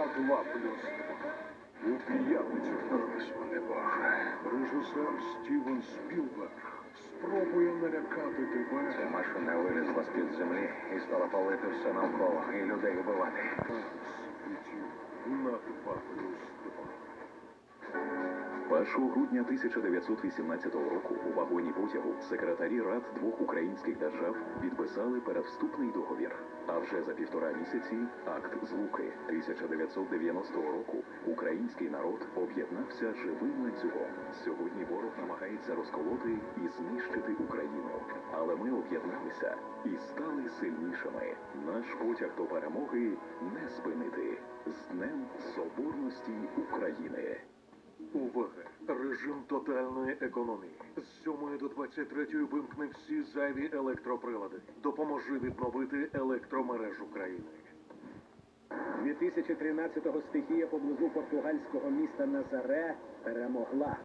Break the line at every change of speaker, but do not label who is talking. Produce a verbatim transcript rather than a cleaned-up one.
два плюс два. У п'ятницю.
Господи Боже.
Режисер Стівен Спілберг спробує налякати тебе.
Ця машина вилізла з-під землі і стала палити все навколо, і людей вбивати.
Світів на два плюс два.
першого грудня тисяча дев'ятсот вісімнадцятого року у вагоні потягу секретарі рад двох українських держав підписали перевступний договір. А вже за півтора місяці акт злуки. тисяча дев'ятсот дев'яностого року український народ об'єднався живим ланцюгом. Сьогодні ворог намагається розколоти і знищити Україну. Але ми об'єдналися і стали сильнішими. Наш потяг до перемоги не спинити. З Днем Соборності України!
Увага! Режим тотальної економії. З сьомої до двадцять третьої вимкни всі зайві електроприлади. Допоможи відновити електромережу країни.
дві тисячі тринадцятого стихія поблизу португальського міста Назаре перемогла.